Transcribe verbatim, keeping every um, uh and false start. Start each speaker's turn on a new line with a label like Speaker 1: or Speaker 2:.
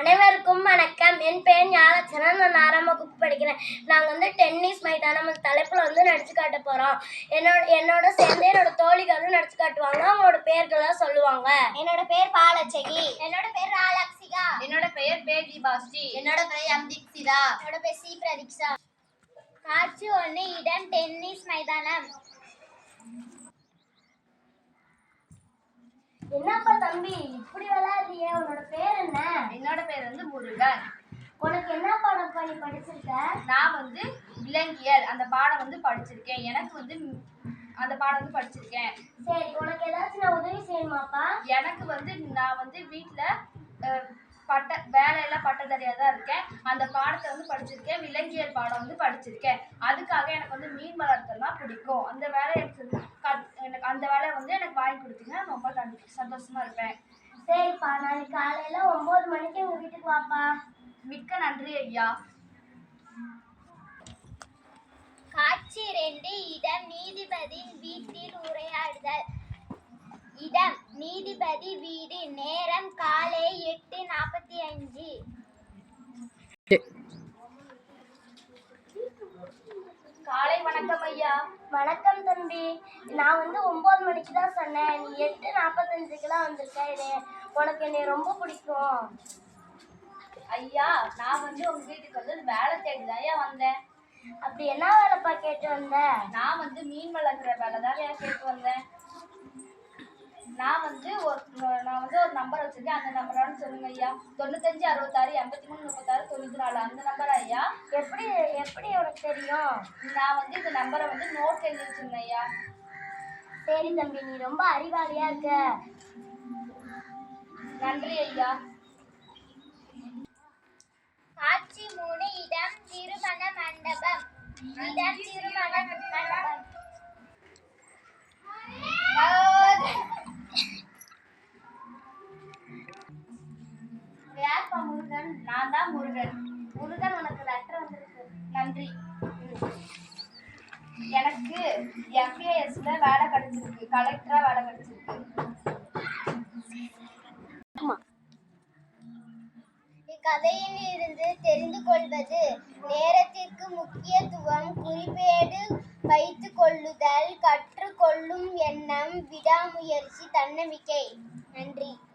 Speaker 1: அனைவருக்கும் வணக்கம். என் பெயர் ஞானச்சரன். நான் ஆறாம் வகுப்பு படிக்கிறேன். நாங்கள் வந்து டென்னிஸ் மைதானம் தலைப்பில் வந்து நடிச்சு காட்ட போகிறோம். என்னோட என்னோட சேர்ந்து என்னோட தோழிகளும் நடிச்சு காட்டுவாங்க. அவங்களோட பேர்களை சொல்லுவாங்க.
Speaker 2: என்னோட பேர் பாலச்சகி.
Speaker 3: என்னோட பேர் ராலக்ஷிகா.
Speaker 4: என்னோட பெயர் பேஜி பாஸ்டி.
Speaker 3: என்னோட பெயர் அம்திக்ஷிதா.
Speaker 2: என்னோட பேர் சி பிரதீக்ஷா.
Speaker 3: காட்சி ஒன்று, இடம் டென்னிஸ் மைதானம்.
Speaker 1: என்னப்பா தம்பி இப்படி விளையாடுறிய? உன்னோட பேர் என்ன?
Speaker 4: என்னோட பேர் வந்து முருகன்.
Speaker 1: உனக்கு என்ன பாடம் பண்ணி படிச்சிருக்க?
Speaker 4: நான் வந்து விலங்கியல் அந்த பாடம் வந்து படிச்சிருக்கேன். எனக்கு வந்து அந்த பாடம் வந்து படிச்சிருக்கேன்.
Speaker 1: சரி, உனக்கு ஏதாச்சும் நான் உதவி செய்யணுமாப்பா?
Speaker 4: எனக்கு வந்து நான் வந்து வீட்டில் பட்ட வேலையெல்லாம் பட்டதாரியாக தான் இருக்கேன். அந்த பாடத்தை வந்து படிச்சிருக்கேன். விலங்கியல் பாடம் வந்து படிச்சிருக்கேன். அதுக்காக எனக்கு வந்து மீன் வளர்த்தல்னா பிடிக்கும். அந்த வேலையை எனக்கு எனக்கு அந்த வேலையை வந்து எனக்கு வாங்கி கொடுத்தீங்கன்னா ரொம்ப கண்டிப்பாக சந்தோஷமா இருப்பேன்.
Speaker 1: சரிப்பா, நாளைக்கு காலையில ஒன்பது மணிக்கு உங்க வீட்டுக்கு வாப்பா.
Speaker 4: மிக்க நன்றி ஐயா.
Speaker 3: காட்சி ரெண்டு, இடம் நீதிபதியின் வீட்டில் உரையாடுதல். இடம் நீதிபதி வீடு. நேரம் காலை எட்டு நாற்பத்தி அஞ்சு.
Speaker 4: காலை வணக்கம் ஐயா.
Speaker 1: வணக்கம் தம்பி. நான் வந்து ஒன்பது மணிக்கு தான் சொன்னேன். நீ எட்டு நாற்பத்தஞ்சுக்கெல்லாம் வந்திருக்க. உனக்கு என்னை ரொம்ப பிடிக்கும்.
Speaker 4: ஐயா, நான் வந்து உங்க வீட்டுக்கு வந்து வேலை தேடிதான் ஐயா வந்தேன்.
Speaker 1: அப்படி என்ன வேலைப்பா கேட்டு வந்த?
Speaker 4: நான் வந்து மீன் வளர்க்குற வேலை தான் ஐயா கேட்டு வந்தேன். நான் வந்து ஒரு நான் வந்து ஒரு நம்பர் வச்சிருக்கேன். அந்த நம்பரானு சொல்லுங்க ஐயா. தொண்ணூத்தஞ்சு அறுபத்தாறு எண்பத்தி மூணு முப்பத்தாறு தொண்ணூற்றி நாலு அந்த நம்பர் ஐயா.
Speaker 1: எப்படி எப்படி உனக்கு தெரியும்?
Speaker 4: நான் வந்து இந்த நம்பரை வந்து நோட் எழுதி வச்சிருந்தேன் ஐயா.
Speaker 1: சரி தம்பி, நீ ரொம்ப அறிவாளியா இருக்க.
Speaker 4: நன்றி ஐயா.
Speaker 3: காட்சி மூணு, இடம் திருமண மண்டபம். இடம் திருமண மண்டபம்.
Speaker 4: யார்ப்பா முருகன்? நான் தான் முருகன்.
Speaker 1: முருகன், உனக்கு லெட்டர் வந்திருக்கு.
Speaker 4: நன்றி. எனக்கு எஃப்ஏஎஸ்ல வேலை கிடைச்சிருக்கு. கலெக்டரா வேலை கிடைச்சிருக்கு.
Speaker 3: இக்கதையில் இருந்து தெரிந்து கொள்வது: நேரத்திற்கு முக்கியத்துவம், குறிப்பேடு வைத்துக் கொள்ளுதல், கற்றுக்கொள்ளும் எண்ணம், விடாமுயற்சி, தன்னம்பிக்கை. நன்றி.